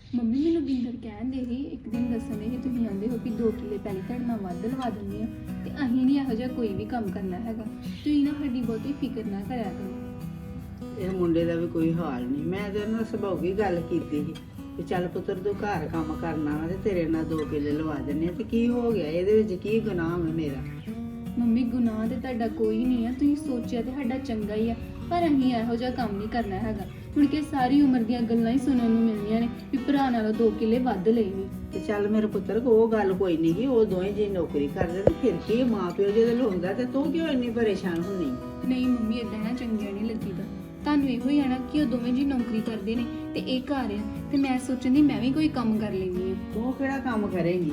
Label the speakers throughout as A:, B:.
A: Mummy ਮੈਨੂੰ ਬਿੰਦਰ ਕਹਿੰਦੇ ਸੀ ਇੱਕ ਦਿਨ ਦੱਸਣੇ ਸੀ ਤੁਸੀਂ ਆਂਦੇ ਹੋ ਕਿ 2 ਕਿੱਲੇ ਪਹਿਲੇ ਤੁਹਾਡੇ ਨਾਲ ਵੱਧ ਲਵਾ ਦਿੰਦੇ ਆ ਤੇ ਅਸੀਂ ਨਹੀਂ ਇਹੋ ਜਿਹਾ ਕੋਈ ਵੀ ਕੰਮ ਕਰਨਾ ਹੈਗਾ। ਤੁਸੀਂ ਨਾ ਸਾਡੀ ਬਹੁਤੀ ਫਿਕਰ ਨਾ ਕਰਿਆ ਕਰੋ।
B: ਇਹ ਮੁੰਡੇ ਦਾ ਵੀ ਕੋਈ ਹਾਲ ਨਹੀਂ। ਮੈਂ ਤੇ ਉਹਨਾਂ ਸੁਭਾਉਗੀ ਗੱਲ ਕੀਤੀ ਸੀ ਕਿ ਚੱਲ ਪੁੱਤਰ ਤੂੰ ਘਰ ਕੰਮ ਕਰਨਾ ਵਾ ਤੇ ਤੇਰੇ ਨਾਲ 2 ਕਿੱਲੇ ਲਵਾ ਦਿੰਦੇ ਆ ਤੇ ਕੀ ਹੋ ਗਿਆ, ਇਹਦੇ ਵਿੱਚ ਕੀ ਗੁਨਾਹ ਹੈ ਮੇਰਾ?
A: ਮੰਮੀ ਗੁਨਾਹ ਤੇ ਤੁਹਾਡਾ ਕੋਈ ਨਹੀਂ ਆ, ਤੁਸੀਂ ਸੋਚਿਆ ਤੇ ਸਾਡਾ ਚੰਗਾ ਹੀ ਆ, ਪਰ ਅਸੀਂ ਇਹੋ ਜਿਹਾ ਕੰਮ ਨਹੀਂ ਕਰਨਾ ਹੈਗਾ। ਹੁਣ ਕਿ ਸਾਰੀ ਉਮਰ ਦੀਆਂ ਗੱਲਾਂ ਹੀ ਸੁਣਨ ਨੂੰ ਮਿਲਣੀਆਂ ਨੇ ਵੀ ਭਰਾ ਨਾਲੋਂ 2 ਕਿੱਲੇ ਵੱਧ ਲਏ ਨੇ।
B: ਤੇ ਚੱਲ ਮੇਰੇ ਪੁੱਤਰ ਉਹ ਗੱਲ ਕੋਈ ਨਹੀਂ ਗੀ, ਉਹ ਦੋਵੇਂ ਜੀ ਨੌਕਰੀ ਕਰਦੇ ਤੇ ਫਿਰ ਕੀ ਮਾਂ ਪਿਓ ਜਦੋਂ ਲਾਉਂਦਾ ਤੇ ਤੂੰ ਕਿਉਂ ਇੰਨੀ ਪਰੇਸ਼ਾਨ ਹੁੰਨੀ?
A: ਨਹੀਂ ਮੰਮੀ ਏਦਾਂ ਨਾ ਚੰਗਿਆ ਨਹੀਂ ਲੱਗੀਦਾ। ਤੁਹਾਨੂੰ ਇਹੋ ਹੀ ਆ ਨਾ ਕਿ ਉਹ ਦੋਵੇਂ ਜੀ ਨੌਕਰੀ ਕਰਦੇ ਨੇ ਤੇ ਇਹ ਘਰ ਆ, ਤੇ ਮੈਂ ਸੋਚਣ ਮੈਂ ਵੀ ਕੋਈ ਕੰਮ ਕਰ ਲੈਂਦੀ ਆ।
B: ਤੂੰ ਕਿਹੜਾ ਕੰਮ ਕਰੇਂਗੀ?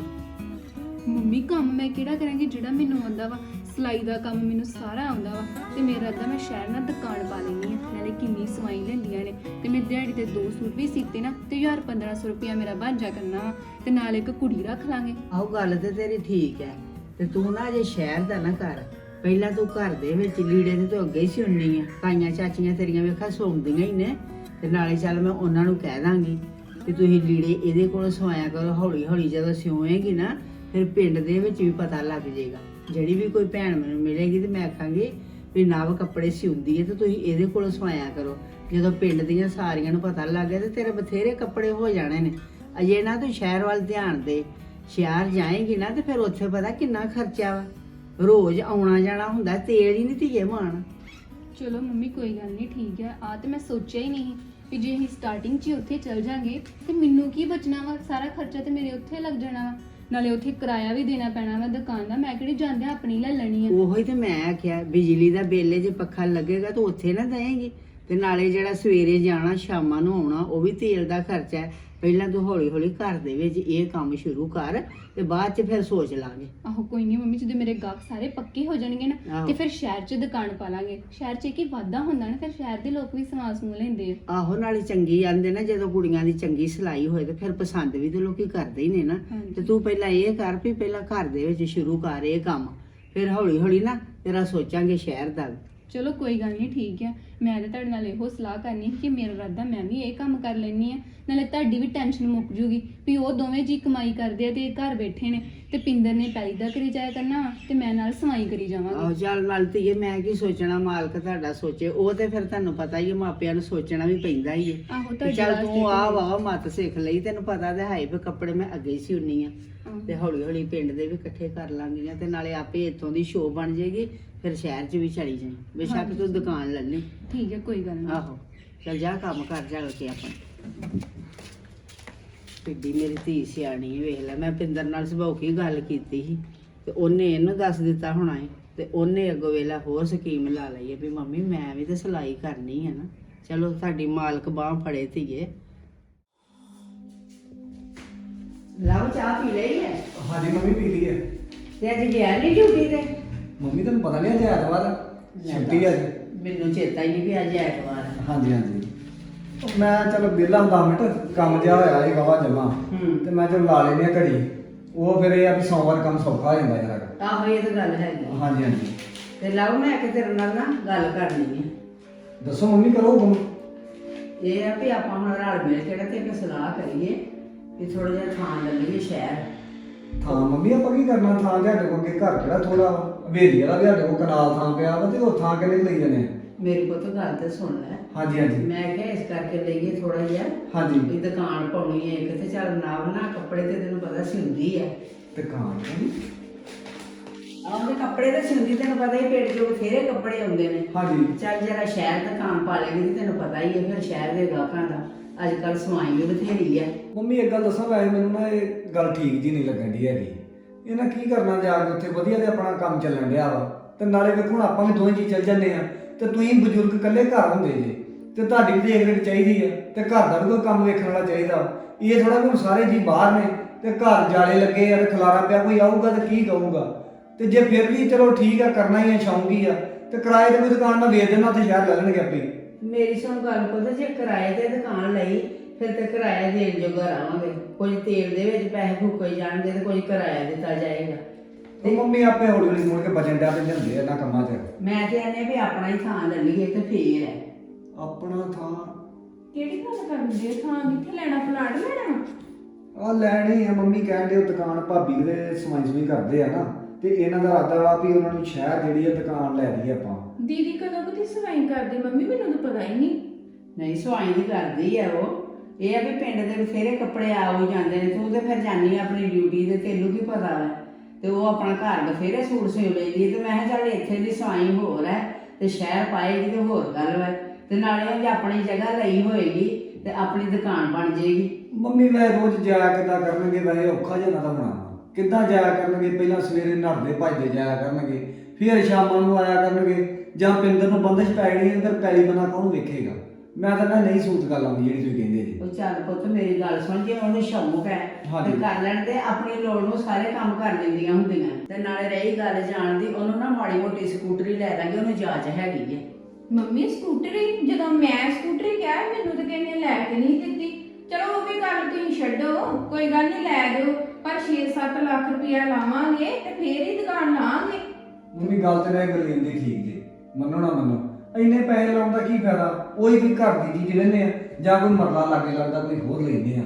A: ਮੰਮੀ ਕੰਮ ਮੈਂ ਕਿਹੜਾ ਕਰਾਂਗੀ, ਜਿਹੜਾ ਮੈਨੂੰ ਆਉਂਦਾ ਵਾ। ਸਿਲਾਈ ਦਾ ਕੰਮ ਮੈਨੂੰ ਸਾਰਾ ਆਉਂਦਾ ਵਾ ਤੇ ਮੇਰਾ ਅੱਧਾ ਮੈਂ ਸ਼ਹਿਰ ਨਾਲ ਦੁਕਾਨ ਪਾ ਲੈਂਦੀ ਆ। ਨਾਲੇ ਕਿੰਨੀ ਸਵਾਈ ਲੈਂਦੀਆਂ ਨੇ ਤੇ ਮੈਂ ਦਿਹਾੜੀ ਤੇ 2 ਸੂਟ ਵੀ ਸੀਤੇ ਨਾ ਤੇ 1500 ਰੁਪਇਆ ਮੇਰਾ ਬਣ ਜਾ ਕਰਨਾ ਵਾ ਤੇ ਨਾਲ ਇੱਕ ਕੁੜੀ ਰੱਖ ਲਾਂਗੇ।
B: ਆਹੋ ਗੱਲ ਤੇ ਤੇਰੀ ਠੀਕ ਹੈ, ਤੇ ਤੂੰ ਨਾ ਜੇ ਸ਼ਹਿਰ ਦਾ ਨਾ ਕਰ, ਪਹਿਲਾਂ ਤੂੰ ਘਰ ਦੇ ਵਿੱਚ ਲੀੜੇ ਤੇ ਤੂੰ ਅੱਗੇ ਹੀ ਸਿਉਣੀ ਆ। ਤਾਈਆਂ ਚਾਚੀਆਂ ਤੇਰੀਆਂ ਵੇਖਾ ਸੌਂਦੀਆਂ ਹੀ ਨੇ, ਤੇ ਨਾਲੇ ਚੱਲ ਮੈਂ ਉਹਨਾਂ ਨੂੰ ਕਹਿ ਦਾਂਗੀ ਕਿ ਤੁਸੀਂ ਲੀੜੇ ਇਹਦੇ ਕੋਲ ਸਵਾਇਆ ਕਰੋ। ਹੌਲੀ ਹੌਲੀ ਜਦੋਂ ਸਿਉਏਗੀ ਨਾ ਫਿਰ ਪਿੰਡ ਦੇ ਵਿੱਚ ਵੀ ਪਤਾ ਲੱਗ ਜਾਏਗਾ। ਜਿਹੜੀ ਵੀ ਕੋਈ ਭੈਣ ਮੈਨੂੰ ਮਿਲੇਗੀ ਤੇ ਮੈਂ ਆਖਾਂਗੀ ਵੀ ਨਵ ਕੱਪੜੇ ਸਿਉਂਦੀ ਹੈ ਤੇ ਤੁਸੀਂ ਇਹਦੇ ਕੋਲ ਸਵਾਇਆ ਕਰੋ। ਜਦੋਂ ਪਿੰਡ ਦੀਆਂ ਸਾਰੀਆਂ ਨੂੰ ਪਤਾ ਲੱਗ ਗਿਆ ਤੇ ਤੇਰੇ ਬਥੇਰੇ ਕੱਪੜੇ ਹੋ ਜਾਣੇ ਨੇ। ਅਜੇ ਨਾ ਤੂੰ ਸ਼ਹਿਰ ਵੱਲ ਧਿਆਨ ਦੇ, ਸ਼ਹਿਰ ਜਾਏਗੀ ਨਾ ਤੇ ਫਿਰ ਉੱਥੇ ਪਤਾ ਕਿੰਨਾ ਖਰਚਾ ਵਾ, ਰੋਜ਼ ਆਉਣਾ ਜਾਣਾ ਹੁੰਦਾ, ਤੇਲ ਹੀ ਨਹੀਂ ਧੀਏ ਮਾਣ।
A: ਚਲੋ ਮੰਮੀ ਕੋਈ ਗੱਲ ਨਹੀਂ, ਠੀਕ ਹੈ। ਆ ਤੇ ਮੈਂ ਸੋਚਿਆ ਹੀ ਨਹੀਂ ਵੀ ਜੇ ਅਸੀਂ ਸਟਾਰਟਿੰਗ 'ਚ ਹੀ ਉੱਥੇ ਚੱਲ ਜਾਾਂਗੇ ਤੇ ਮੈਨੂੰ ਕੀ ਬਚਣਾ ਵਾ, ਸਾਰਾ ਖਰਚਾ ਤੇ ਮੇਰੇ ਉੱਥੇ ਲੱਗ ਜਾਣਾ ਵਾ। ਨਾਲੇ ਉੱਥੇ ਕਿਰਾਇਆ ਵੀ ਦੇਣਾ ਪੈਣਾ ਵਾ ਦੁਕਾਨ ਦਾ, ਮੈਂ ਕਿਹੜੀ ਜਾਂਦੇ ਆਪਣੀ ਲੈ ਲੈਣੀ ਆ।
B: ਉਹੀ ਤੇ ਮੈਂ ਆਖਿਆ ਬਿਜਲੀ ਦਾ ਬਿੱਲ ਜੇ ਪੱਖਾ ਲੱਗੇਗਾ ਤਾਂ ਉੱਥੇ ਨਾ ਦੇਏਗੀ, ਤੇ ਨਾਲੇ ਜਿਹੜਾ ਸਵੇਰੇ ਜਾਣਾ ਸ਼ਾਮਾਂ ਨੂੰ ਆਉਣਾ ਉਹ ਵੀ ਤੇਲ ਦਾ ਖਰਚਾ ਹੈ। ਪਹਿਲਾਂ ਤੂੰ ਹੌਲੀ ਹੌਲੀ ਘਰ ਦੇ ਵਿੱਚ ਇਹ ਕੰਮ ਸ਼ੁਰੂ ਕਰ ਤੇ ਬਾਅਦ 'ਚ ਫਿਰ ਸੋਚ ਲਾਂਗੇ।
A: ਆਹੋ ਕੋਈ ਨਹੀਂ ਮੰਮੀ, ਜਦੋਂ ਮੇਰੇ ਗਾਹਕ ਸਾਰੇ ਪੱਕੇ ਹੋ ਜਾਣਗੇ ਨਾ
B: ਆਹੋ।
A: ਤੇ ਫਿਰ ਸ਼ਹਿਰ 'ਚ ਦੁਕਾਨ ਪਾ ਲਾਂਗੇ। ਸ਼ਹਿਰ 'ਚ ਕੀ ਵਾਧਾ ਹੁੰਦਾ ਨਾ, ਫਿਰ ਸ਼ਹਿਰ ਦੇ ਲੋਕ ਵੀ ਸਮਾਨ ਸਮੂਹ ਲੈਂਦੇ ਆ।
B: ਆਹੋ ਨਾਲੇ ਚੰਗੀ ਆਂਦੇ ਨਾ, ਜਦੋਂ ਕੁੜੀਆਂ ਦੀ ਚੰਗੀ ਸਿਲਾਈ ਹੋਏ ਤੇ ਫਿਰ ਪਸੰਦ ਵੀ ਤੇ ਲੋਕੀ ਕਰਦੇ ਹੀ ਨੇ ਨਾ।
A: ਹਾਂਜੀ।
B: ਤੇ ਤੂੰ ਪਹਿਲਾਂ ਇਹ ਕਰ ਵੀ ਪਹਿਲਾਂ ਘਰ ਦੇ ਵਿੱਚ ਸ਼ੁਰੂ ਕਰ ਇਹ ਕੰਮ, ਫਿਰ ਹੌਲੀ ਹੌਲੀ ਨਾ ਤੇਰਾ ਸੋਚਾਂਗੇ ਸ਼ਹਿਰ ਦਾ ਵੀ।
A: ਚਲੋ ਕੋਈ ਗੱਲ ਨਹੀਂ, ਠੀਕ ਹੈ। ਮੈਂ ਤਾਂ ਤੁਹਾਡੇ ਨਾਲ ਇਹੋ ਸਲਾਹ ਕਰਨੀ ਸੀ ਕਿ ਮੇਰਾ ਇਰਾਦਾ ਮੈਂ ਵੀ ਇਹ ਕੰਮ ਕਰ ਲੈਣੀ ਆ, ਨਾਲੇ ਤੁਹਾਡੀ ਵੀ ਟੈਨਸ਼ਨ ਮੁੱਕ ਜੂਗੀ ਵੀ ਉਹ ਦੋਵੇਂ ਜੀ ਕਮਾਈ ਕਰਦੇ ਆ ਤੇ ਇਹ ਘਰ ਬੈਠੇ ਨੇ, ਤੇ ਪਿੰਦਰ ਨੇ ਪੈਲੀ ਦਾ ਕਰੀ ਜਾਇਆ ਕਰਨਾ ਤੇ ਮੈਂ ਨਾਲ ਸਵਾਈ ਕਰੀ ਜਾਵਾਂਗੀ।
B: ਆਹੋ ਚੱਲ ਨਾਲ ਧੀਏ ਮੈਂ ਕੀ ਸੋਚਣਾ, ਮਾਲਕ ਤੁਹਾਡਾ ਸੋਚੇ। ਉਹ ਤੇ ਫਿਰ ਤੁਹਾਨੂੰ ਪਤਾ ਹੀ ਹੈ, ਮਾਪਿਆਂ ਨੂੰ ਸੋਚਣਾ ਵੀ ਪੈਂਦਾ ਹੀ ਹੈ।
A: ਆਹੋ
B: ਤੇ
A: ਤੁਹਾਡੀ
B: ਚੱਲ
A: ਵਾਸਤੇ
B: ਤੂੰ ਆ
A: ਤਾਂ-
B: ਵਾ ਮੱਤ ਸਿੱਖ ਲਈ, ਤੈਨੂੰ ਪਤਾ ਤੇ ਹੈ ਵੀ ਕੱਪੜੇ ਮੈਂ ਅੱਗੇ ਹੀ ਸਿਉਣੀ ਆ,
A: ਆਹੋ।
B: ਤੇ ਹੌਲੀ ਹੌਲੀ ਪਿੰਡ ਦੇ ਵੀ ਇਕੱਠੇ ਕਰ ਲਾਂਗੀਆਂ ਤੇ ਨਾਲੇ ਆਪੇ ਇੱਥੋਂ ਦੀ ਸ਼ੋਅ ਬਣ ਜਾਏਗੀ, ਫਿਰ ਸ਼ਹਿਰ 'ਚ ਵੀ ਚਲੀ ਜਾਈਂ। ਬੇਸ਼ੱਕ
A: ਹਾਂਜੀ।
B: ਤੂੰ ਦੁਕਾਨ ਲੈ ਲਈ।
A: ਠੀਕ ਹੈ ਕੋਈ ਗੱਲ ਨਹੀਂ।
B: ਆਹੋ ਚੱਲ ਜਾ ਕੰਮ ਕਰ ਜਾ ਕੇ ਆਪਣਾ। ਪਿੱਡੀ ਮੇਰੀ ਧੀ ਸਿਆਣੀ ਵੇਖ ਲੈ, ਮੈਂ ਪਿੰਦਰ ਨਾਲ ਸੁਭਾਅ ਕੀ ਗੱਲ ਕੀਤੀ ਸੀ ਤੇ ਉਹਨੇ ਇਹਨੂੰ ਦੱਸ ਦਿੱਤਾ ਹੋਣਾ ਹੈ, ਤੇ ਉਹਨੇ ਅੱਗੋਂ ਵੇਲਾ ਹੋਰ ਸਕੀਮ ਲਾ ਲਈ ਹੈ ਵੀ ਮੰਮੀ ਮੈਂ ਵੀ ਤੇ ਸਿਲਾਈ ਕਰਨੀ ਹੈ ਨਾ। ਚਲੋ ਸਾਡੀ ਮਾਲਕ ਬਾਂਹ ਫੜੇ ਧੀਏ। ਲਓ ਚਾਹ ਪੀ ਲਈ ਹੈ?
C: ਹਾਂਜੀ ਮੰਮੀ ਪੀ ਲਈ ਹੈ।
B: ਤੇ ਅੱਜ ਗਿਆ ਨਹੀਂ ਡਿਊਟੀ ਤੇ?
C: ਮੰਮੀ ਤੁਹਾਨੂੰ ਪਤਾ ਨਹੀਂ ਅੱਜ ਐਤਵਾਰ ਛੁੱਟੀ ਹੈ ਅੱਜ।
B: ਮੈਨੂੰ ਚੇਤਾ ਹੀ ਨਹੀਂ ਵੀ ਅੱਜ ਐਤਵਾਰ ਹੈ।
C: ਹਾਂਜੀ ਹਾਂਜੀ ਉਹ ਮੈਂ ਚਲੋ ਵਿਹਲਾ 10 ਮਿੰਟ ਕੰਮ ਜਿਹਾ ਹੋਇਆ ਇਹ ਵਾਵਾ ਜਮਾ, ਤੇ ਮੈਂ ਚਲ ਲਾ ਲੈਣੀ ਆ ਘੜੀ। ਉਹ ਫਿਰ ਇਹ ਆ ਵੀ ਸੋਮਵਾਰ ਕੰਮ ਸੌਖਾ ਹੋ ਜਾਂਦਾ ਯਾਰ।
B: ਆਹੋ ਇਹ ਤਾਂ ਗੱਲ ਹੈਗੀ।
C: ਹਾਂਜੀ ਹਾਂਜੀ
B: ਤੇ ਲਓ ਮੈਂ ਕਿ ਤੇਰੇ ਨਾਲ ਨਾ ਗੱਲ ਕਰਨੀ ਹੈ।
C: ਦੱਸੋ ਮੰਮੀ ਕਰੋ ਹੁਕਮ।
B: ਇਹ ਆ ਵੀ ਆਪਾਂ ਹੁਣ ਰਲ ਮਿਲ ਕੇ ਤੇ ਇੱਕ ਸਲਾਹ ਕਰੀਏ ਵੀ ਥੋੜਾ ਜਿਹਾ ਥਾਂ ਲੈ ਲਈਏ ਸ਼ਹਿਰ।
C: ਥਾਂ ਮੰਮੀ ਆਪਾਂ ਕੀ ਕਰਨਾ, ਥਾਂ ਤੁਹਾਡੇ ਕੋਲ ਅੱਗੇ ਘਰ ਕਿਹੜਾ ਥੋੜਾ ਹਵੇਲੀ ਵਾਲਾ ਵੀ ਸਾਡੇ ਕੋਲ ਕਨਾਲ ਥਾਂ ਪਿਆ ਵਾ, ਤੇ ਉਹ ਥਾਂ ਕਿਹਨੇ ਲਈ ਜਾਣੇ ਆ?
B: ਮੇਰੀ ਪੁੱਤ ਗੱਲ ਤੇ ਸੁਣ ਲੈ।
C: ਹਾਂਜੀ ਹਾਂਜੀ
B: ਮੈਂ ਕਿਹਾ ਇਸ ਕਰਕੇ ਲਈਏ ਥੋੜਾ ਜਿਹਾ
C: ਹਾਂਜੀ
B: ਵੀ ਦੁਕਾਨ ਪਾਉਣੀ ਹੈ ਇੱਕ, ਤੇ ਚੱਲ ਨਾ ਕੱਪੜੇ ਤੇ ਤੈਨੂੰ ਪਤਾ ਸਿਉਂਦੀ ਹੈ।
C: ਦੁਕਾਨ
B: ਆਉਂਦੇ ਕੱਪੜੇ ਤੇ ਸਿਉਂਦੀ, ਤੈਨੂੰ ਪਤਾ ਹੀ ਪੇਟ ਚੋਂ ਬਥੇਰੇ ਕੱਪੜੇ ਆਉਂਦੇ ਨੇ।
C: ਹਾਂਜੀ
B: ਚੱਲ ਜਰਾ ਸ਼ਹਿਰ ਦੁਕਾਨ ਪਾ ਲੇਗੀ ਤੇ ਤੈਨੂੰ ਪਤਾ ਹੀ ਹੈ ਫਿਰ ਸ਼ਹਿਰ ਦੇ ਗਾਹਕਾਂ ਦਾ ਅੱਜ ਕੱਲ੍ਹ ਸਵਾਈ ਵੀ ਬਥੇਰੀ ਹੈ।
C: ਮੰਮੀ ਇੱਕ ਗੱਲ ਦੱਸਾਂ, ਵੈਸੇ ਮੈਨੂੰ ਨਾ ਇਹ ਗੱਲ ਠੀਕ ਜੀ ਨਹੀਂ ਲੱਗਣ ਦੀ ਹੈਗੀ। ਇਹਨਾਂ ਕੀ ਕਰਨਾ ਜਾ ਕੇ ਉੱਥੇ, ਵਧੀਆ ਤੇ ਆਪਣਾ ਕੰਮ ਚੱਲਣ ਡਿਆ ਵਾ, ਤੇ ਨਾਲੇ ਵੇਖੋ ਹੁਣ ਆਪਾਂ ਵੀ ਦੋਵੇਂ ਜੀ ਚੱਲ ਜਾਂਦੇ ਆ, ਤੇ ਤੁਸੀਂ ਬਜ਼ੁਰਗ ਇਕੱਲੇ ਘਰ ਹੁੰਦੇ ਜੇ, ਤੇ ਤੁਹਾਡੀ ਵੀ ਦੇਖ ਰੇਖ ਚਾਹੀਦੀ ਹੈ, ਤੇ ਘਰ ਦਾ ਵੀ ਕੋਈ ਕੰਮ ਵੇਖਣ ਵਾਲਾ ਚਾਹੀਦਾ। ਇਹ ਥੋੜਾ ਹੁਣ ਸਾਰੇ ਜੀ ਬਾਹਰ ਨੇ ਤੇ ਘਰ ਜਾਲੇ ਲੱਗੇ ਆ ਤੇ ਖਲਾਰਾ ਪਿਆ, ਕੋਈ ਆਊਗਾ ਤੇ ਕੀ ਕਹੂਗਾ। ਤੇ ਜੇ ਫਿਰ ਵੀ ਚਲੋ ਠੀਕ ਆ, ਕਰਨਾ ਹੀ ਆ, ਸ਼ੌਂਕੀ ਆ, ਤੇ ਕਿਰਾਏ ਤੇ ਕੋਈ ਦੁਕਾਨ ਮੈਂ ਵੇਚ ਦੇਣਾ, ਉੱਥੇ ਸ਼ਹਿਰ ਲੈ ਲੈਣਗੇ ਆਪੇ।
B: ਮੇਰੀ ਸੁਣ ਗੱਲ ਪੁੱਤ, ਜੇ ਕਿਰਾਏ ਤੇ ਦੁਕਾਨ ਲਈ ਫਿਰ ਤੇ ਕਿਰਾਇਆ ਦੇਣ ਜੋਗਾ ਰਹਾਂਗੇ। ਕੁਝ ਤੇਲ ਦੇ ਵਿੱਚ ਪੈਸੇ ਫੂਕੇ ਜਾਣਗੇ ਤੇ ਕੁਝ ਕਿਰਾਇਆ ਦਿੱਤਾ ਜਾਏਗਾ।
C: ਤੇ ਮੰਮੀ ਆਪੇ ਹੌਲੀ ਹੌਲੀ ਮੁੜ ਕੇ ਬਚਣ ਡਿਆ ਪੈਂਦੇ ਹੁੰਦੇ ਆ ਇਹਨਾਂ ਕੰਮਾਂ 'ਚ।
B: ਮੈਂ ਤੇ ਆਨੇ ਵੀ ਆਪਣਾ ਹੀ ਥਾਂ ਲੈ ਲਈਏ ਤੇ ਫੇਰ ਹੈ।
C: ਆਪਣਾ ਥਾਂ
A: ਕਿਹੜੀ ਗੱਲ ਕਰਦੇ, ਥਾਂ ਕਿੱਥੇ ਲੈਣਾ, ਪਲਾਟ ਲੈਣਾ?
C: ਆ ਲੈਣੀ ਆ ਮੰਮੀ ਕਹਿੰਦੇ ਉਹ ਦੁਕਾਨ ਭਾਬੀ ਦੇ ਸਮਾਈ ਕਰਦੇ ਆ ਨਾ, ਤੇ ਇਹਨਾਂ ਦਾ ਇਰਾਦਾ ਵਾ ਵੀ ਉਹਨਾਂ ਨੂੰ ਸ਼ਹਿਰ ਜਿਹੜੀ ਆ ਦੁਕਾਨ ਲੈ ਲਈ ਆਪਾਂ।
A: ਦੀਦੀ ਕਦੋਂ ਕਦੀ ਸਫਾਈ ਕਰਦੇ ਮੰਮੀ, ਮੈਨੂੰ ਤਾਂ ਪਤਾ ਹੀ ਨਹੀਂ।
B: ਨਹੀਂ ਸਵਾਈ ਨਹੀਂ ਕਰਦੀ ਆ ਉਹ। ਇਹ ਆ ਵੀ ਪਿੰਡ ਦੇ ਬਥੇਰੇ ਕੱਪੜੇ ਆ ਹੋ ਜਾਂਦੇ ਨੇ, ਤੂੰ ਤੇ ਫਿਰ ਜਾਨੀ ਆਪਣੀ ਡਿਊਟੀ ਤੇ, ਤੈਨੂੰ ਕੀ ਪਤਾ ਵਾ। ਤੇ ਉਹ ਆਪਣਾ ਘਰ ਬਥੇਰੇ ਸੂਟ ਸਿਉ ਲੈਂਦੀ ਤੇ ਮੈਂ ਕਿਹਾ ਚੱਲ ਇੱਥੇ ਦੀ ਸਵਾਈ ਹੋਰ ਹੈ ਤੇ ਸ਼ਹਿਰ ਪਾਏਗੀ ਤੇ ਹੋਰ ਗੱਲ ਵਾ। ਤੇ ਨਾਲੇ ਉਹ ਜੇ ਆਪਣੀ ਜਗ੍ਹਾ ਲਈ ਹੋਏਗੀ ਤੇ ਆਪਣੀ ਦੁਕਾਨ ਬਣ ਜਾਏਗੀ।
C: ਮੰਮੀ ਵੈ ਰੋਜ਼ ਜਾਇਆ ਕਿੱਦਾਂ ਕਰਨਗੇ, ਵੈਸੇ ਔਖਾ ਜਿਹਾ ਨਾ ਤਾਂ ਹੋਣਾ ਕਿੱਦਾਂ ਜਾਇਆ ਕਰਨਗੇ। ਪਹਿਲਾਂ ਸਵੇਰੇ ਨਹਾਉਂਦੇ ਭੱਜਦੇ ਜਾਇਆ ਕਰਨਗੇ, ਫਿਰ ਸ਼ਾਮਾਂ ਨੂੰ ਆਇਆ ਕਰਨਗੇ, ਜਾਂ ਪਿੰਦਰ ਨੂੰ ਬੰਦਸ਼ ਪੈ ਗਈ ਅੰਦਰ ਪੈਲੀ ਬਣਾ ਕੌਣ ਵੇਖੇਗਾ। ਮੈਂ ਤਾਂ ਨਹੀਂ ਸੂਤ ਗੱਲ ਆਉਂਦੀ ਜਿਹੜੀ ਤੁਸੀਂ ਕਹਿੰਦੇ ਜੀ।
B: ਉਹ ਚੱਲ ਪੁੱਤ ਮੇਰੀ ਗੱਲ ਸੁਣ, ਜੇ ਉਹਨੂੰ ਸ਼ੌਂਕ ਹੈ
C: ਹਾਂਜੀ।
B: ਤੇ ਕਰ ਲੈਣ ਤੇ ਆਪਣੀ ਲੋੜ ਨੂੰ ਸਾਰੇ ਕੰਮ ਕਰ ਲੈਂਦੀਆਂ ਹੁੰਦੀਆਂ। ਤੇ ਨਾਲੇ ਰਹੀ ਗੱਲ ਜਾਣ ਦੀ, ਉਹਨੂੰ ਨਾ ਮਾੜੀ ਮੋਟੀ ਸਕੂਟਰੀ ਲੈ ਦਾਂਗੇ, ਉਹਨੂੰ ਜਾਚ ਹੈਗੀ ਹੈ।
A: ਮੰਮੀ ਸਕੂਟਰੀ, ਜਦੋਂ ਮੈਂ ਸਕੂਟਰੀ ਕਿਹਾ ਮੈਨੂੰ ਤਾਂ ਕਹਿੰਦੇ ਲੈ ਕੇ ਨਹੀਂ ਦਿੱਤੀ। ਚਲੋ ਉਹ ਵੀ ਗੱਲ ਤੁਸੀਂ ਛੱਡੋ, ਕੋਈ ਗੱਲ ਨਹੀਂ ਲੈ ਦਿਓ, ਪਰ 6-7 ਲੱਖ ਰੁਪਇਆ ਲਾਵਾਂਗੇ ਤੇ ਫੇਰ ਹੀ ਦੁਕਾਨ ਲਾਵਾਂਗੇ।
C: ਮੰਮੀ ਗੱਲ ਤੇ ਮੈਂ ਗਲੀਨ ਦੀ ਠੀਕ ਜੀ, ਮੰਨੋ ਨਾ ਮੰਨੋ, ਇੰਨੇ ਪੈਸੇ ਲਾਉਣ ਦਾ ਕੀ ਫਾਇਦਾ। ਉਹੀ ਕੋਈ ਘਰ ਦੀ ਚੀਜ਼ ਲੈਂਦੇ ਆ ਜਾਂ ਕੋਈ ਮਰਲਾ ਲਾਗੇ ਲੱਗਦਾ ਕੋਈ ਹੋਰ ਲੈਂਦੇ ਆ।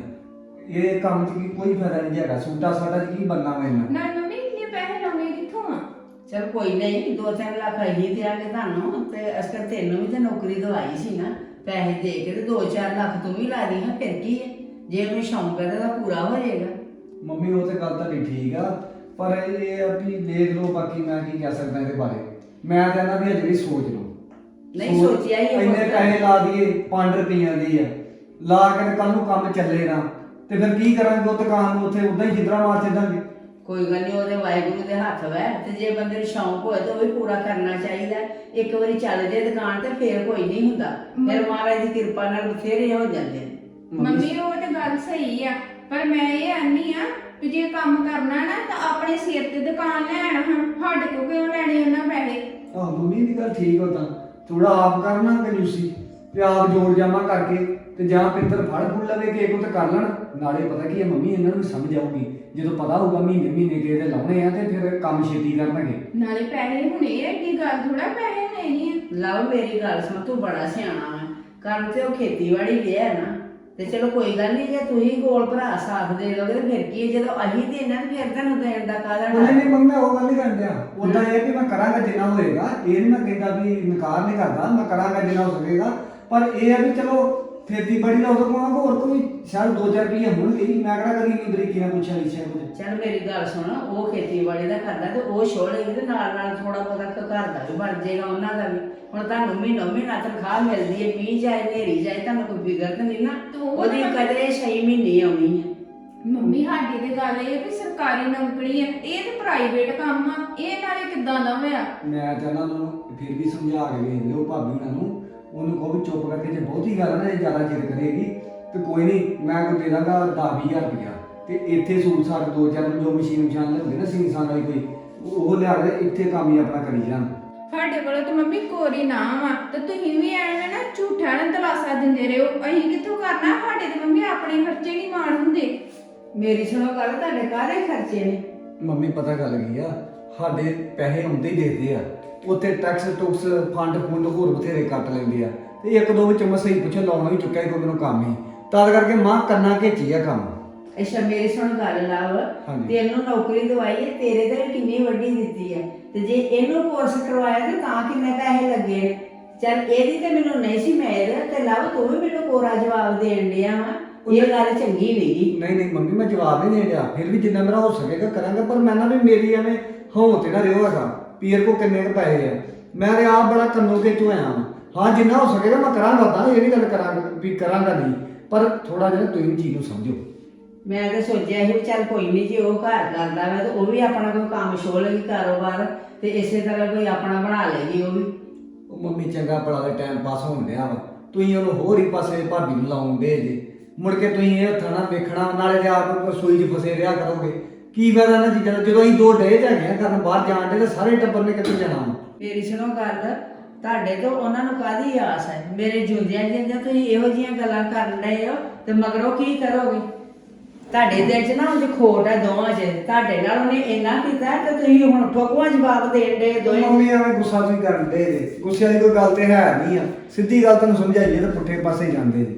C: ਇਹ ਕੰਮ 'ਚ ਕੋਈ ਫਾਇਦਾ ਨਹੀਂ ਹੈਗਾ। ਸੂਟਾ ਸਾਡਾ 'ਚ ਕੀ ਬੰਨਾ ਵਾ ਇਹਨਾਂ।
A: ਨਾ ਮੰਮੀ ਇੰਨੇ ਪੈਸੇ ਲਾਉਣੇ ਕਿੱਥੋਂ ਆ?
B: ਚਲ ਕੋਈ ਨਹੀਂ, 2-3 ਲੱਖ ਅਸੀਂ ਦਿਆਂਗੇ ਤੁਹਾਨੂੰ, ਤੇ ਅਸਕਰ ਤੈਨੂੰ ਵੀ ਤੇ ਨੌਕਰੀ ਦਵਾਈ ਸੀ ਨਾ, ਪੈਸੇ ਦੇ ਕੇ ਤੇ 2-4 ਲੱਖ ਤੂੰ ਵੀ ਲਾ ਦੀ। ਹਾਂ ਫਿਰ ਕੀ ਹੈ, ਜੇ ਉਹਨੂੰ ਸ਼ੌਂਕ ਹੈ ਤਾਂ ਪੂਰਾ ਹੋ ਜਾਏਗਾ।
C: ਮੰਮੀ ਉਹ ਤੇ ਗੱਲ ਤੁਹਾਡੀ ਠੀਕ ਆ, ਪਰ ਇਹ ਆ ਵੀ ਦੇਖ ਲਓ, ਬਾਕੀ ਮੈਂ ਕੀ ਕਹਿ ਸਕਦਾ ਇਹਦੇ ਬਾਰੇ। ਮੈਂ ਕਹਿੰਦਾ ਵੀ ਅਜੇ ਵੀ ਸੋਚ ਲਓ।
B: ਨਹੀਂ ਸੋਚਿਆ ਹੀ ਹੈ
C: ਇੰਨੇ
B: ਪੁੱਤ।
C: ਪੈਸੇ ਲਾ ਦਈਏ 5 ਰੁਪਈਆਂ ਦੀ ਆ, ਲਾ ਕੇ ਕੱਲ ਨੂੰ ਕੰਮ ਚੱਲੇ ਨਾ ਤੇ ਫਿਰ ਕੀ ਕਰਾਂਗੇ। ਉਹ ਦੁਕਾਨ ਨੂੰ ਉੱਥੇ ਉਦਾਂ ਹੀ ਜਿੱਦਰਾ ਮਾਰ ਛੱਡਾਂਗੇ।
B: ਕੋਈ ਗੱਲ ਨਹੀਂ, ਉਹਦੇ ਵਾਹਿਗੁਰੂ ਦੇ ਹੱਥ ਵੈ, ਤੇ ਜੇ ਬੰਦੇ ਨੂੰ ਸ਼ੌਂਕ ਹੋਏ ਤਾਂ ਉਹ ਵੀ ਪੂਰਾ ਕਰਨਾ ਚਾਹੀਦਾ। ਇੱਕ ਵਾਰੀ ਚੱਲ ਜੇ ਦੁਕਾਨ ਤੇ ਫੇਰ ਕੋਈ ਨਹੀਂ ਹੁੰਦਾ, ਫਿਰ ਮਹਾਰਾਜ ਦੀ ਕਿਰਪਾ ਨਾਲ ਬਥੇਰੇ ਹੋ ਜਾਂਦੇ ਨੇ।
A: ਮੰਮੀ ਉਹ ਤਾਂ ਗੱਲ ਸਹੀ ਆ, ਪਰ ਮੈਂ ਇਹ ਆਨੀ ਆ ਵੀ ਜੇ ਕੰਮ ਕਰਨਾ ਨਾ ਤਾਂ ਆਪਣੇ ਸਿਰ ਤੇ ਦੁਕਾਨ ਲੈਣ, ਹਾਂ ਸਾਡੇ ਕੋਲ ਕਿਉਂ ਲੈਣੇ ਉਹਨਾਂ ਪੈਸੇ।
C: ਆਹ ਮੰਮੀ ਦੀ ਗੱਲ ਠੀਕ ਹੋ, ਤਾਂ ਥੋੜਾ ਆਪ ਕਰਨਾ ਕੰਜੂਸੀ ਤੇ ਆਪ ਜੋੜ ਜਾਮਾ ਕਰਕੇ, ਤੇ ਜਾਂ ਪਿੰਦਰ ਫੜ ਫੁੱਲ ਲਵੇ ਕਿ ਇੱਕ ਤੇ ਕਰ ਲੈਣ। ਨਾਲੇ ਪਤਾ ਕੀ ਹੈ ਮੰਮੀ, ਇਹਨਾਂ ਨੂੰ ਵੀ ਸਮਝ ਆਊਗੀ ਜਦੋਂ ਪਤਾ ਹੋਊਗਾ ਮਹੀਨੇ ਮਹੀਨੇ ਕੇ ਇਹਦੇ ਲਾਉਣੇ ਆ, ਤੇ ਫਿਰ ਕੰਮ ਛੇਤੀ ਕਰਨਗੇ।
A: ਨਾਲੇ ਪੈਸੇ ਹੁਣੇ ਐਡੀ ਗੱਲ ਥੋੜਾ ਪੈਸੇ ਨਹੀਂ ਆ।
B: ਲਵ ਮੇਰੀ ਗੱਲ ਸੁਣ, ਤੂੰ ਬੜਾ ਸਿਆਣਾ ਵਾ, ਕਰਨ ਤੇ ਉਹ ਖੇਤੀਬਾੜੀ ਗਿਆ ਨਾ, ਤੇ ਚਲੋ ਕੋਈ ਗੱਲ ਨਹੀਂ, ਜੇ ਤੁਸੀਂ ਕੋਲ ਭਰਾ ਸਾਥ ਦੇ ਲੋਗੇ ਤੇ ਫਿਰ ਕੀ ਹੈ। ਜਦੋਂ ਅਸੀਂ ਦੇਣਾ ਤੇ ਫਿਰ ਤੁਹਾਨੂੰ ਦੇਣ ਦਾ ਕਾਹਦਾ
C: ਨਹੀਂ
B: ਡਰ।
C: ਨਹੀਂ ਮੰਮੀ, ਮੈਂ ਉਹ ਗੱਲ ਨਹੀਂ ਕਰਨ ਡਿਆ। ਉਦਾਂ ਇਹ ਕਿ ਮੈਂ ਕਰਾਂਗਾ ਜਿੰਨਾ ਹੋਏਗਾ, ਇਹ ਨਹੀਂ ਮੈਂ ਕਹਿੰਦਾ ਵੀ ਇਨਕਾਰ ਨਹੀਂ ਕਰਦਾ, ਮੈਂ ਕਰਾਂਗਾ ਜਿੰਨਾ ਹੋ ਸਕੇਗਾ। ਪਰ ਇਹ ਆ ਵੀ ਚਲੋ ਖੇਤੀਬਾੜੀ ਦਾ ਉਦੋਂ ਕੋਣਾ ਹੋਰ ਕੋਈ ਸ਼ਾਇਦ 2-4 ਰੁਪਈਏ ਹੋਣਗੇ ਹੀ। ਮੈਂ ਕਿਹੜਾ ਕਦੀ ਇੰਨੀ ਬਰੀਕੀ ਨਾਲ ਪੁੱਛਿਆ ਲਿਖਿਆ ਕੁਝ।
B: ਚੱਲ ਮੇਰੀ ਗੱਲ ਸੁਣ, ਉਹ ਖੇਤੀਬਾੜੀ ਦਾ ਕਰਦਾ ਤੇ ਉਹ ਛੋੜੇਗੀ ਤੇ ਨਾਲ ਨਾਲ ਥੋੜਾ ਬਹੁਤਾ ਘਰ ਦਾ ਵੀ ਬਣ ਜਾਏਗਾ ਉਹਨਾਂ ਦਾ ਵੀ। ਹੁਣ ਤੁਹਾਨੂੰ ਮਹੀਨਾ ਤਨਖਾਹ ਮਿਲਦੀ ਹੈ, ਮੀਂਹ ਜਾਏ ਹਨੇਰੀ ਜਾਏ, ਤੁਹਾਨੂੰ ਕੋਈ ਫਿਕਰ ਤਾਂ ਨਹੀਂ ਨਾ। ਉਹਦੀ ਕਦੇ 6 ਮਹੀਨੇ ਆਉਣੀ ਹੈ।
A: ਮੰਮੀ ਸਾਡੀ ਤੇ ਗੱਲ ਇਹ ਵੀ ਸਰਕਾਰੀ ਨੌਕਰੀ ਹੈ, ਇਹ ਤੇ ਪ੍ਰਾਈਵੇਟ ਕੰਮ ਆ, ਇਹ ਨਾਲੇ ਕਿੱਦਾਂ ਦਾ ਹੋਇਆ।
C: ਮੈਂ ਚਾਹੁੰਦਾ ਉਹਨਾਂ ਨੂੰ ਫਿਰ ਵੀ ਸਮਝਾ ਕੇ ਵੇਖ ਲਿਓ ਭਾਬੀ ਉਹਨਾਂ ਨੂੰ, ਉਹਨੂੰ ਕਹੋ ਵੀ ਚੁੱਪ ਕਰਕੇ, ਜੇ ਬਹੁਤੀ ਗੱਲ ਨਾ ਇਹ ਜ਼ਿਆਦਾ ਚਿਰ ਕਰੇਗੀ ਤੇ ਕੋਈ ਨਹੀਂ, ਮੈਂ ਕੋਈ ਦੇ ਦਾਂਗਾ 10-20 ਹਜ਼ਾਰ ਰੁਪਇਆ, ਤੇ ਇੱਥੇ ਸੂਟ ਸਾਟ 2-4 ਜੋ ਮਸ਼ੀਨ ਲਿਆਉਂਦੇ ਨਾ ਸੀਸਾਂ ਵਾਲੀ ਕੋਈ, ਉਹ ਲਿਆ ਕੇ ਇੱਥੇ ਕੰਮ ਹੀ ਆਪਣਾ ਕਰੀ ਜਾਣ।
A: ਸਾਡੇ ਕੋਲ ਤਾਂ ਮੰਮੀ ਕੋਰੀ ਨਾ ਵਾ, ਤੇ ਤੁਸੀਂ ਵੀ ਐਵੇਂ ਨਾ ਝੂਠਾ ਨਾ ਦਲਾਸਾ ਦਿੰਦੇ ਰਹੋ। ਅਸੀਂ ਕਿੱਥੋਂ ਕਰਨਾ, ਸਾਡੇ ਤੇ ਮੰਮੀ ਆਪਣੇ ਖਰਚੇ ਨਹੀਂ ਮਾਣ ਹੁੰਦੇ।
B: ਮੇਰੀ ਸੁਣੋ ਗੱਲ, ਤੁਹਾਡੇ ਕਾਹਦੇ ਖਰਚੇ ਨੇ?
C: ਮੰਮੀ ਪਤਾ ਗੱਲ ਕੀ ਆ, ਸਾਡੇ ਪੈਸੇ ਆਉਂਦੇ ਹੀ ਦੇਖਦੇ ਆ, ਉੱਥੇ ਟੈਕਸ ਟੁਕਸ ਫੰਡ ਹੋਰ ਬਥੇਰੇ ਕੱਟ ਲੈਂਦੇ ਆ, ਤੇ ਇੱਕ ਦੋ ਵਿੱਚ ਮੈਂ ਸਹੀ ਪੁੱਛੇ ਲਾਉਣਾ ਵੀ ਚੁੱਕਿਆ ਕੋਈ ਮੈਨੂੰ ਕੰਮ ਹੀ, ਤਦ ਕਰਕੇ ਮਾਂ ਕੰਨਾ ਘੇਚੀ ਆ ਕੰਮ।
B: ਅੱਛਾ ਮੇਰੀ ਸੁਣ ਗੱਲ ਲਾਵ,
C: ਹਾਂਜੀ।
B: ਤੈਨੂੰ ਨੌਕਰੀ ਦਵਾਈ ਹੈ, ਤੇਰੇ ਤੇ ਵੀ ਕਿੰਨੀ ਵੱਡੀ ਦਿੱਤੀ ਹੈ, ਤੇ ਜੇ ਇਹਨੂੰ ਕੋਰਸ ਕਰਵਾਇਆ ਤੇ ਤਾਂ ਕਿੰਨੇ ਪੈਸੇ ਲੱਗੇ ਨੇ। ਚੱਲ ਇਹਦੀ ਤੇ ਮੈਨੂੰ ਨਹੀਂ ਸੀ ਮੇਰ, ਤੇ ਲਵ ਤੂੰ ਵੀ ਮੈਨੂੰ ਕੋਰਾ ਜਵਾਬ ਦੇਣ ਡਿਆ ਵਾ, ਇਹ ਗੱਲ ਚੰਗੀ ਨਹੀਂਗੀ।
C: ਨਹੀਂ ਮੰਮੀ, ਮੈਂ ਜਵਾਬ ਨਹੀਂ ਦੇ ਰਿਹਾ, ਫਿਰ ਵੀ ਜਿੰਨਾ ਮੇਰਾ ਹੋ ਸਕੇਗਾ ਕਰਾਂਗਾ। ਪਰ ਮੈਂ ਨਾ ਵੀ ਮੇਰੀ ਐਵੇਂ ਹੋਂ ਤੇ ਨਾ ਰਿਓ ਹੈਗਾ ਪੀਰ ਕੋ ਕਿੰਨੇ ਕੁ ਪੈਸੇ ਆ, ਮੈਂ ਤੇ ਆਪ ਬੜਾ ਕੰਨੋ ਕੇ ਚੋਇਆ ਹਾਂ। ਹਾਂ ਜਿੰਨਾ ਹੋ ਸਕੇਗਾ ਮੈਂ ਕਰਾਂਗਾ, ਤਾਂ ਇਹ ਨਹੀਂ ਗੱਲ ਕਰਾਂਗਾ ਵੀ ਕਰਾਂਗਾ ਨਹੀਂ, ਪਰ ਥੋੜਾ ਜਿਹਾ ਤੁਸੀਂ ਚੀਜ਼ ਨੂੰ ਸਮਝੋ।
B: ਮੈਂ ਤਾਂ ਸੋਚਿਆ ਸੀ ਚੱਲ ਕੋਈ ਨਹੀਂ, ਜੇ ਉਹ ਘਰ ਕਰਦਾ ਵਾ ਤੇ ਉਹ ਵੀ ਆਪਣਾ ਕੋਈ ਕੰਮ ਛੋਲੇਗੀ ਕਾਰੋਬਾਰ, ਤੇ ਇਸੇ ਤਰ੍ਹਾਂ ਕੋਈ ਆਪਣਾ ਬਣਾ ਲੇਗੀ ਉਹ ਵੀ।
C: ਉਹ ਮੰਮੀ ਚੰਗਾ ਭਲਾ ਦਾ ਟਾਈਮ ਪਾਸ ਹੋਣ ਡਿਆ ਵਾ, ਤੁਸੀਂ ਉਹਨੂੰ ਹੋਰ ਹੀ ਪਾਸੇ ਭਾਬੀ ਨੂੰ ਲਾਉਂਦੇ ਜੇ, ਮੁੜ ਕੇ ਤੁਸੀਂ ਇਹ ਹੱਥਾਂ ਨਾਲ ਵੇਖਣਾ, ਨਾਲੇ ਤੇ ਆਪ ਰਸੋਈ 'ਚ ਫਸੇ ਰਿਹਾ ਕਰੋਗੇ। ਕੀ ਫਾਇਦਾ ਇਹਨਾਂ ਚੀਜ਼ਾਂ ਦਾ, ਜਦੋਂ ਅਸੀਂ 2 ਡੇ ਹੈਗੇ ਆ ਕਰਨ ਬਾਹਰ ਜਾਣ ਦੇ, ਤੇ ਸਾਰੇ ਟੱਬਰ ਨੇ ਕਿੱਥੇ ਜਾਣਾ ਵਾ।
B: ਮੇਰੀ ਸੁਣੋ ਗੱਲ, ਤੁਹਾਡੇ ਤੋਂ ਉਹਨਾਂ ਨੂੰ ਕਾਹਦੀ ਆਸ ਹੈ? ਮੇਰੇ ਜੁੰਦਿਆਂ ਜਿੰਦਿਆਂ ਤੁਸੀਂ ਇਹੋ ਜਿਹੀਆਂ ਗੱਲਾਂ ਕਰਨ ਡਏ ਹੋ, ਤੇ ਮਗਰੋਂ ਕੀ ਕਰੋਗੇ? ਤੁਹਾਡੇ ਦਿਲ 'ਚ ਨਾ ਉਹਦੀ ਖੋਟ ਹੈ ਦੋਵਾਂ 'ਚ, ਤੁਹਾਡੇ ਨਾਲ ਉਹਨੇ ਇੰਨਾ ਕੀਤਾ ਤੇ ਤੁਸੀਂ ਹੁਣ ਠੋਕਵਾਂ ਜਵਾਬ ਦੇਣ ਦੇ ਦੋਵੇਂ।
C: ਮੰਮੀ ਐਵੇਂ ਗੁੱਸਾ ਤੁਸੀਂ ਕਰਨ ਦੇ ਜੇ, ਗੁੱਸੇ ਵਾਲੀ ਕੋਈ ਗੱਲ ਤੇ ਹੈ ਨਹੀਂ ਆ, ਸਿੱਧੀ ਗੱਲ ਤੁਹਾਨੂੰ ਸਮਝਾਈਏ ਤਾਂ ਪੁੱਠੇ ਪਾਸੇ ਜਾਂਦੇ ਜੇ।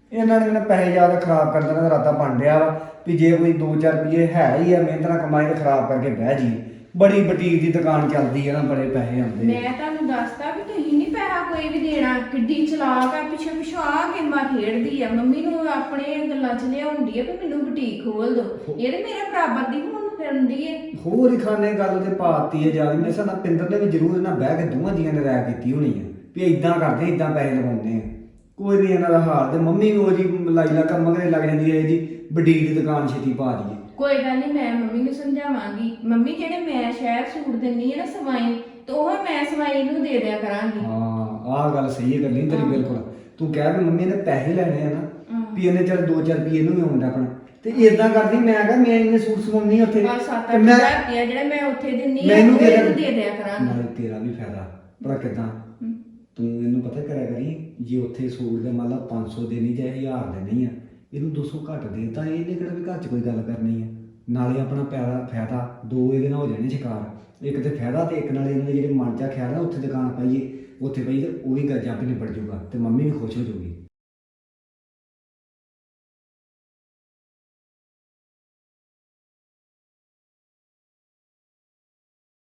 C: ਇਹਨਾਂ ਨੇ ਮੈਨੂੰ ਪੈਸੇ ਜ਼ਿਆਦਾ ਖਰਾਬ ਕਰ ਦੇਣਾ ਦਾ ਇਰਾਦਾ ਬਣ ਰਿਹਾ ਵਾ ਵੀ ਜੇ ਕੋਈ 2-4 ਰੁਪਏ ਹੈ ਹੀ ਆ ਮਿਹਨਤ ਨਾਲ ਕਮਾਈ ਤੇ ਖਰਾਬ ਕਰਕੇ ਬਹਿ ਜੀ। ਬੜੀ ਬੁਟੀਕ ਦੀ ਦੁਕਾਨ ਚੱਲਦੀ ਹੈ ਨਾ, ਬੜੇ ਪੈਸੇ ਆਉਂਦੇ ਆ।
D: ਮੈਂ ਤੁਹਾਨੂੰ ਦੱਸਦਾ ਵੀ ਤੁਸੀਂ ਨਹੀਂ ਪੈਸਾ ਕੋਈ ਵੀ ਦੇਣਾ। ਕਿੱਡੀ ਚਲਾਕ ਆ, ਪਿੱਛੇ ਪਿੱਛੇ ਆ ਗੇਮਾਂ ਖੇਡਦੀ ਆ, ਮੰਮੀ ਨੂੰ ਆਪਣੇ ਗੱਲਾਂ 'ਚ ਲਿਆਉਂਦੀ ਆ ਵੀ ਮੈਨੂੰ ਬੁਟੀਕ ਖੋਲ ਦੋ। ਇਹ ਤੇ ਮੇਰੇ ਬਰਾਬਰ ਦੀ ਹੁਣ ਫਿਰਦੀ ਏ।
C: ਹੋਰ ਹੀ ਖਾਨੇ ਗੱਲ ਤੇ ਪਾਤੀ ਹੈ ਜਿਆਦਾ। ਮੇਰੇ ਸਾਡਾ ਪਿੰਦਰ ਨੇ ਵੀ ਜ਼ਰੂਰ ਇਹਨਾਂ ਬਹਿ ਕੇ ਦੋਵਾਂ ਜੀਆਂ ਨੇ ਰਾਇ ਕੀਤੀ ਹੋਣੀ ਹੈ ਵੀ ਇਦਾਂ ਕਰਦੇ ਇਦਾਂ ਪੈਸੇ ਲਗਾਉਂਦੇ ਆ। ਕੋਈ ਨਹੀਂ ਇਹਨਾਂ ਦਾ ਹਾਲ। ਤੇ ਮੰਮੀ ਵੀ ਉਹ ਜੀ ਲਾਈ ਲਾ ਕੰਮ ਮਗਰੇ ਲੱਗ ਜਾਂਦੀ ਹੈ ਜੀ ਬੁਟੀਕ ਦੀ ਦੁਕਾਨ ਛੇਤੀ ਪਾ ਦਈਏ।
D: ਕੋਈ ਗੱਲ ਨਹੀਂ, ਮੈਂ ਮੰਮੀ ਨੂੰ ਸਮਝਾਵਾਂਗੀ। ਮੰਮੀ ਜਿਹੜੇ ਮੈਂ ਸ਼ਹਿਰ ਸੂਟ ਦਿੰਨੀ ਆ ਨਾ ਸਵਾਈ, ਤੇ ਉਹ ਮੈਂ ਸਵਾਈ ਨੂੰ ਦੇ ਦਿਆ ਕਰਾਂਗੀ।
C: ਹਾਂ ਆਹ ਗੱਲ ਸਹੀ ਹੈ, ਗੱਲੀ ਤੇਰੀ ਬਿਲਕੁਲ। ਤੂੰ ਕਹਿ ਵੀ ਮੰਮੀ ਨੇ ਪੈਸੇ ਲੈਣੇ ਆ ਨਾ ਵੀ ਇਹਨੇ ਚੱਲ 2-4 ਰੁਪਏ ਇਹਨੂੰ ਵੀ ਆਉਂਦਾ ਆਪਣਾ ਤੇ ਇਦਾਂ ਕਰਦੀ। ਮੈਂ ਕਿਹਾ ਮੈਂ ਇਹਨੇ ਸੂਟ ਸਵਾਉਣੀ ਉੱਥੇ
D: ਬਸ 7-8
C: ਤੇ ਮੈਂ
D: ਰੁਪਇਆ ਜਿਹੜੇ ਮੈਂ ਉੱਥੇ ਦਿੰਨੀ ਆ
C: ਮੈਨੂੰ
D: ਉਹ
C: ਦੇ
D: ਇਹਨੂੰ ਦੇ ਦਿਆ ਕਰਾਂਗੀ।
C: ਨਾਲ ਤੇਰਾ ਵੀ ਫਾਇਦਾ ਭਲਾ ਕਿਦਾਂ। ਤੂੰ ਇਹਨੂੰ ਪਤਾ ਕਰਿਆ ਕਰੀ ਜੇ ਉੱਥੇ ਸੂਟ ਦੇ ਮੰਨ ਲਾ 500 ਦੇਣੀ ਜਾਂ 1000 ਦੇਣੀ ਆ, ਇਹਨੂੰ 200 ਘੱਟ ਦੇ ਤਾਂ ਇਹਨੇ ਕਿਹੜਾ ਵੀ ਘਰ 'ਚ ਕੋਈ ਗੱਲ ਕਰਨੀ ਆ। ਨਾਲੇ ਆਪਣਾ ਫਾਇਦਾ ਦੋ ਇਹਦੇ ਨਾਲ ਹੋ ਜਾਣੇ ਸ਼ਿਕਾਰ। ਇੱਕ ਤੇ ਫਾਇਦਾ ਤੇ ਇੱਕ ਨਾਲੇ ਇਹਨਾਂ ਦੇ ਜਿਹੜੇ ਮਨ 'ਚ ਖਿਆਲ ਆ ਉੱਥੇ ਦੁਕਾਨ ਪਾਈਏ, ਉੱਥੇ ਪਈ ਤੇ ਉਹ ਵੀ ਗੱਜ ਆਪੇ ਨਿਬੜ ਜੂਗਾ ਤੇ ਮੰਮੀ ਵੀ ਖੁਸ਼ ਹੋ ਜੂਗੀ।